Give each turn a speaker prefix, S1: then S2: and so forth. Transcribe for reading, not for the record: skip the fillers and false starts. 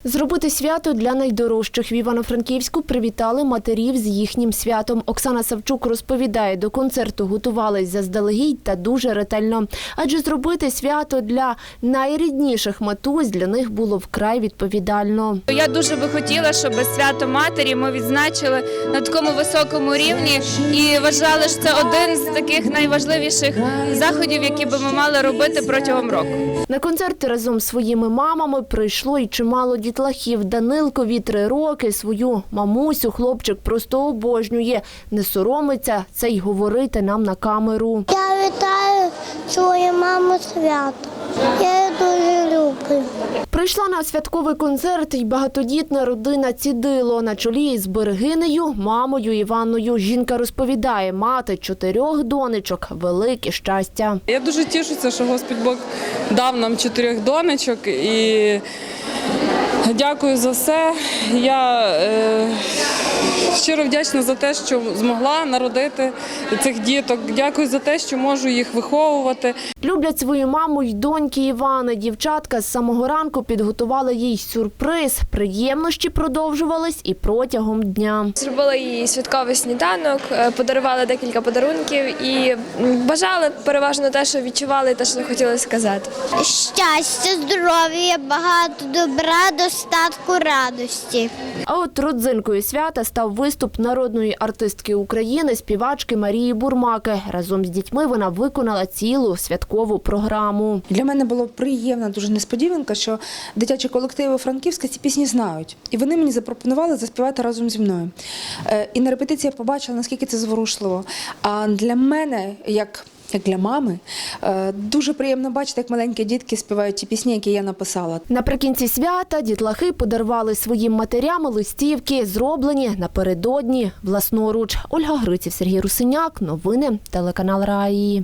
S1: Зробити свято для найдорожчих в Івано-Франківську привітали матерів з їхнім святом. Оксана Савчук розповідає, до концерту готувались заздалегідь та дуже ретельно. Адже зробити свято для найрідніших матусь для них було вкрай відповідально.
S2: Я дуже би хотіла, щоб свято матері ми відзначили на такому високому рівні і вважали, що це один з таких найважливіших заходів, які би ми мали робити протягом року.
S1: На концерти разом з своїми мамами прийшло і чимало дітлахів. Данилкові 3 роки. Свою мамусю хлопчик просто обожнює. Не соромиться це й говорити нам на камеру.
S3: Я вітаю свою маму свято. Я її дуже люблю.
S1: Прийшла на святковий концерт й багатодітна родина Цідило. На чолі із Берегинею, мамою Іванною. Жінка розповідає, мати 4 донечок – велике щастя.
S4: Я дуже тішуся, що Господь Бог дав нам 4 донечок і дякую за все. Я щиро вдячна за те, що змогла народити цих діток. Дякую за те, що можу їх виховувати.
S1: Люблять свою маму й доньки Івани. Дівчатка з самого ранку підготували їй сюрприз. Приємності продовжувались і протягом дня.
S5: Зробила їй святковий сніданок, подарували декілька подарунків і бажали переважно те, що відчували, і те, що хотіли сказати.
S3: Щастя, здоров'я, багато добра, достатку, радості.
S1: А от родзинкою свята став виступ народної артистки України, співачки Марії Бурмаки. Разом з дітьми вона виконала цілу святкову програму.
S6: Для мене було приємна дуже несподіванка, що дитячі колективи Франківська ці пісні знають. І вони мені запропонували заспівати разом зі мною. І на репетиції я побачила, наскільки це зворушливо. А для мене, як для мами, дуже приємно бачити, як маленькі дітки співають ті пісні, які я написала.
S1: Наприкінці свята дітлахи подарували своїм матерям листівки, зроблені напередодні власноруч. Ольга Гриців, Сергій Русиняк. Новини телеканал Раї.